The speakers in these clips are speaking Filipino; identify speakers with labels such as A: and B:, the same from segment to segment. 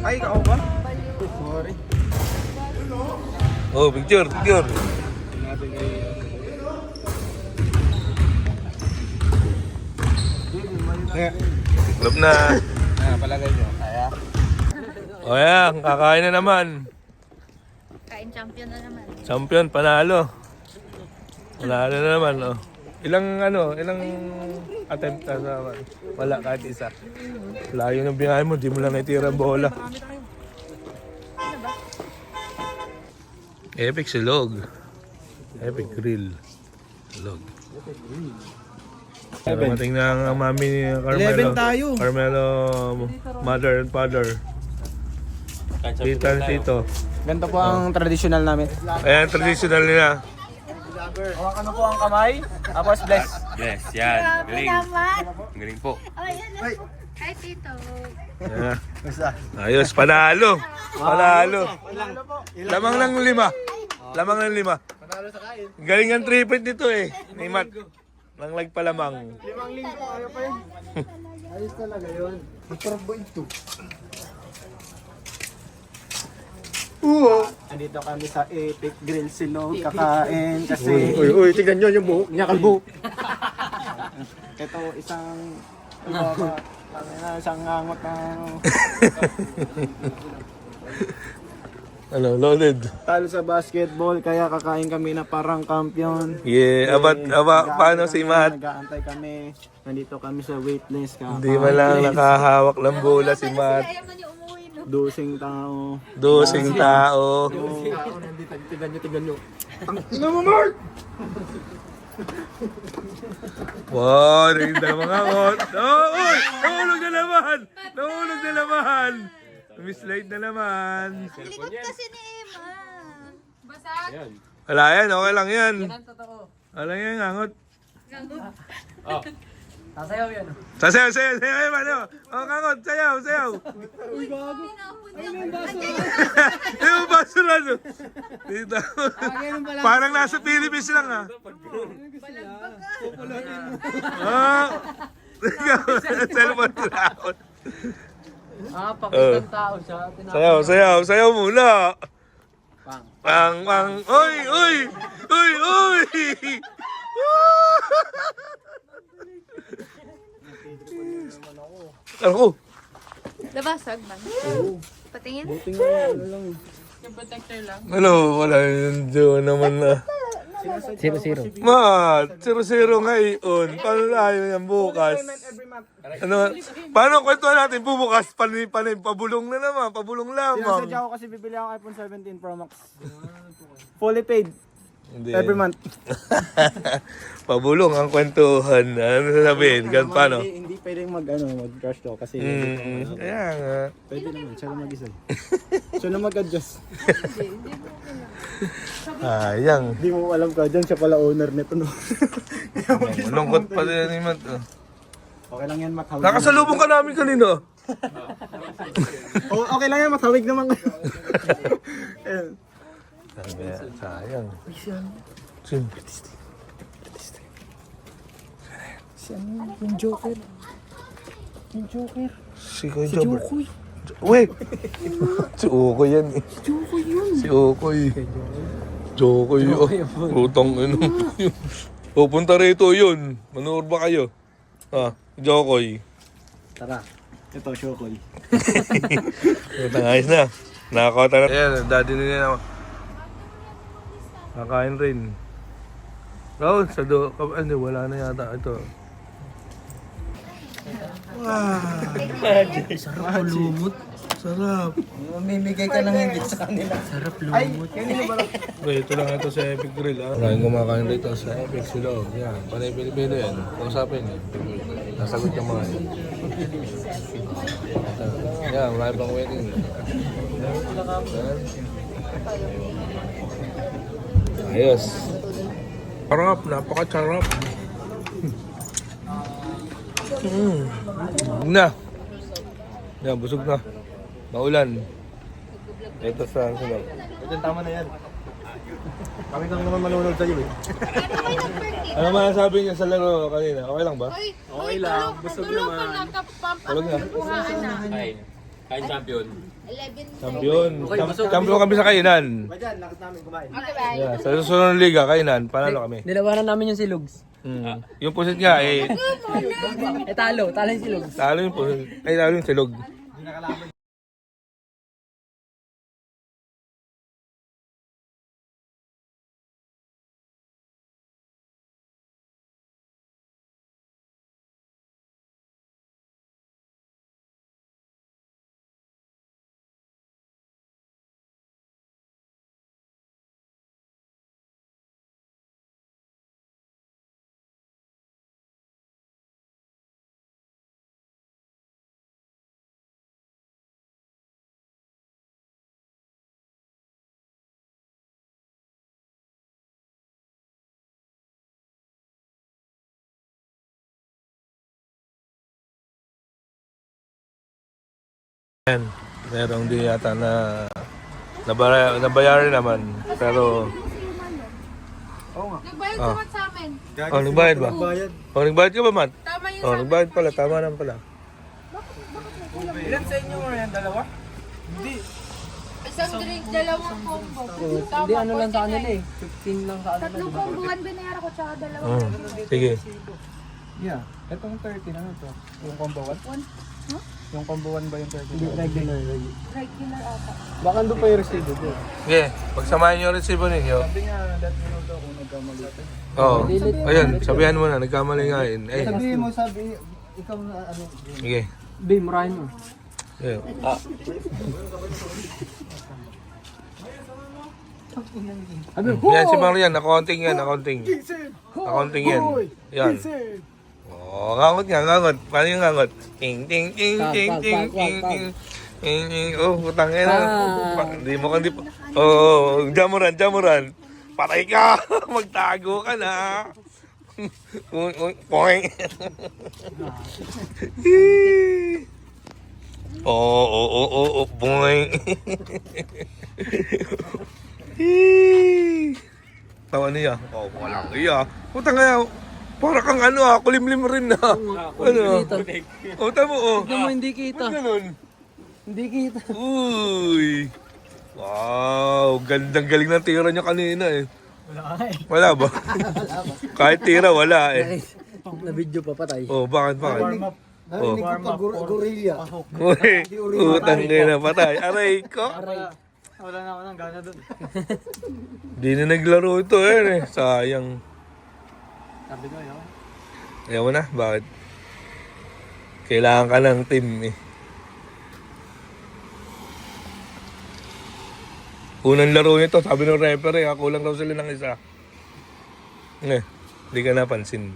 A: Ay, ikaw ba? Sorry.
B: Oh, picture. Love na.
A: Palagay nyo. Kaya?
B: O yan, kakain na naman.
C: Kain champion na naman.
B: Champion, panalo. Panalo na naman, oh. Ilang attempt na naman. Wala, kahit isa. Layo ng binahay mo, di mo lang naitira ang bola. Epic silog. Epic grill. Silog. Dumating na ang mami ni Carmelo.
A: 11 tayo.
B: Carmelo, mother and father. Tita and tito.
A: Ganito po ang traditional namin.
B: Ayan, traditional nila.
A: Hawakan mo po ang kamay. Tapos bless.
D: Yes, yan.
C: Grabe
D: Galing.
C: naman.
D: Galing po.
C: Ay, ano po? Ay, tito.
B: Ayan. Ayos, panalo. Panalo. Lamang ng 5. Lamang ng 5.
A: Panalo sa kain.
B: Galing ang 3 point nito eh. Ni Matt. Nang lag pa lamang.
A: 5 linggo, ayaw pa yun. Ayos talaga yun. Masarap ba ito? Andito kami sa Epic Grill Silog kakain kasi...
D: Uy, tignan nyo yung buhok niya, kalbo.
A: Ito isang... isang ngangot na...
B: Ano, loaded.
A: Talo sa basketball kaya kakain kami na parang kampiyon.
B: Yeah, paano si Matt?
A: Nag-aantay kami. Nandito kami sa waitlist.
B: Hindi man lang nakahawak ng bola si Matt.
C: Ayaw man yung umuwi, no?
A: Dosing tao.
B: Dosing tao.
A: Nandito, tignan nyo. Tingnan mo, Mark!
B: Wow, rin na mga kot. Oh, uy! Nahulog na naman! Nahulog na naman! Mislide na naman.
C: Ang likod kasi ni Emma. Basa.
B: Wala yan, okay lang yan. Wala yan, angot.
A: Sasayaw yan.
B: Sasayaw, sayaw, ano? Oh, kangot, sayaw. Yung basura, no? Dito. Parang nasa Philippines lang, ha? Oh! Ikaw, cellphone round.
A: Pakitang tao siya.
B: Sayaw muna. Pang. Uy! Ako.
C: Labasag man. Patingin.
B: Ano, wala yun doon naman na.
A: 0-0.
B: Mat, 0-0 ngayon. Paano tayo yan bukas? Ano, paano kwentuhan natin bubukas? Pabulong na naman, pabulong lamang.
A: Sinasadya ko kasi bibili ako iPhone 17 Pro Max. Fully paid.
B: Hindi.
A: Every month.
B: Pabulong ang kwentuhan. Ano sasabihin? Gan paano?
A: Hindi pwedeng mag-crush to kasi
B: Kaya nga.
A: pwede naman, siya lang mag-isa. Siya lang mag-adjust.
B: Sayang.
A: Hindi mo alam ka dyan, siya pala owner nito, no?
B: Malungkot pa din ni Matt.
A: Okay lang yan, mathawig.
B: Nakasalubong ka namin kanina.
A: Okay lang yan, mathawig naman. Ayun.
B: Sayang. Sin?
A: Yung Joker. Yung Joker.
B: Si Jokoy. Wait! Si Ukoy yan eh.
A: Joker yun.
B: Si Ukoy. Jokoy. Utang ano. Pupunta rito yun. Manood ba kayo? Jokoy.
A: Tara. Ito, Shokoy.
B: Utang ayos na. Nakakota na. Ayan, daddy nila naman. Nakain rin. Raul, wala na yata ito.
A: Sarap lumot.
B: Sarap.
A: Mamimigay ka ng higit sa kanila. Sarap lumot. Ay, kanina ba lang?
B: Okay, ito lang ito sa Epic Grill. Maraming kumakain rito sa Epic Silog. Yan, panay Pilipino yan. Kausapin yan. Nasagot yung mga yan. Yan, marami pang waiting. Ayos. Sarap, napaka-sarap. Busog na. Yan, busog na. Maulan. Ito sa sunod.
A: Ito, tama na yan. Kami lang naman manunod sa'yo eh.
B: Ano man sabi niya sa laro kanina? Okay lang ba?
C: Okay lang. Busog naman.
B: Tulog na.
D: Kain champion.
C: 11.
B: Champion. Champion kami sa kainan.
A: Ba dyan, lakas namin kumain.
C: Okay, bye.
B: Yeah, sa susunod na liga, kainan. Panalo kami.
E: Nilabanan namin yung silugs.
B: Yung pusit nga,
E: Talo yung silugs.
B: talo yung pusit. Ay, talo yung silog. Ayan, merong di yata na nabayaran naman. Pero,
C: Nagbayad naman sa amin.
B: nagbayad ba?
A: Bayad.
B: Nagbayad ka ba, Matt?
C: Tama yun.
B: Nagbayad pala, tama naman pala.
A: Ilan sa inyo mo yan? Dalawa?
C: Isang drink, dalawang combo.
E: Hindi, ano lang sa kanila eh. 15 lang sa kanila.
C: Tatlong comboan binayaran ko tsaka dalawang.
B: Sige.
A: Yeah. Itong 13, ano to? Yung combo 1? Yung combo 1 ba yung 13?
E: Regular.
C: Regular ata.
A: Baka doon pa yung resibo doon.
B: Sige, pagsamahin yung resibo ninyo.
A: Sabi nga, that minuto ako nagkamali.
B: Oo. Ayun, sabihan mo na, nagkamali nga yun. Eh,
A: Sabihin mo, ikaw na ano.
B: sige.
E: Be, murahin mo.
B: Sige. Yan si Marian, accounting yan, accounting. Accounting yan. Yan. Oh, ngangot nga, ngangot. Paano yung ngangot? Ting, ting, ting, ting, ting, ting, ting. Ting, ting. Oh, putang ina. Hindi mo kandi pa. Oh, jamuran. Patay ka. Magtago ka na. Poing. Oh, boing. Tawa niya. Oh, walang iya. Putang ina. Para kang kulimlim rin na. Ano? O, tamo, oh.
E: Tignan mo, hindi kita.
B: Ba't ganun?
E: Hindi kita.
B: Uy. Wow, gandang galing ng tira niya kanina eh.
E: Wala eh.
B: Wala ba? Kahit tira, wala eh.
E: Na-video pa patay.
B: Oh, bakit?
A: Narinig ko pa gorilla.
B: Uy, utang na patay. Aray ko.
A: Wala na ako ng gana doon.
B: Di na naglaro ito eh. Sayang.
A: Sabi ko yun.
B: Ayaw mo na, bakit? Kailangan ka ng team eh. Unang laro nito, sabi ng referee, kulang daw sila ng isa. Hindi ka napansin.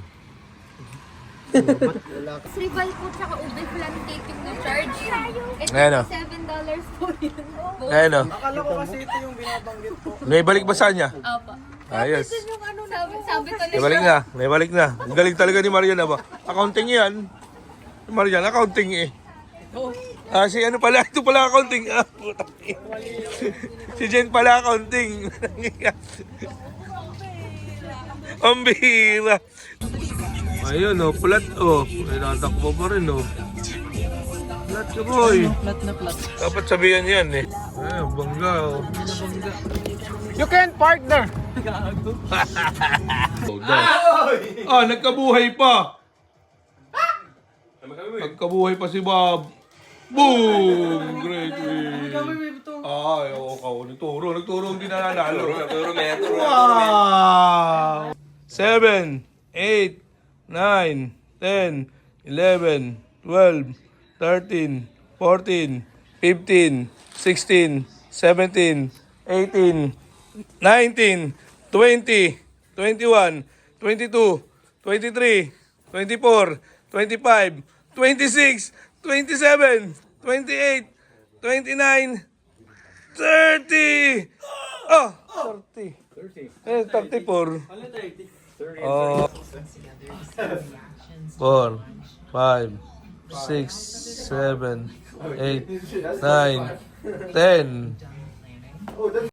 C: Rival po tsaka ube flan cake yung na-charge.
B: Ayan o.
C: $7 po yun.
B: Ayan o.
A: Akala ko kasi ito yung binabanggit ko.
B: May balik ba sa niya?
C: Opo.
B: Ayos.
C: Yung ano sabi ko na
B: May balik na. Ang galing talaga ni Marian ba? Accounting yan. Marian, accounting eh. Si ano pala, ito pala accounting. Puta. Si Jen pala accounting. Ang bihira. Ayun plat Ay, natakbo pa rin Plat ka boy.
E: Plat na plat.
B: Dapat sabihan yan eh. Ay, bangga
A: You can partner!
B: Nagkabuhay pa. Nagkabuhay pa si Bob. Boom! Great win. Nagturo, hindi na nanalo. Wow! 7, 8, 9, 10, 11, 12, 13, 14, 15, 16, 17, 18, 19, 20, 21, 22, 23, 24, 25, 26, 27, 28, 29, 30! 30. 34. 4, 5, 6, 7, 8, 9, 10.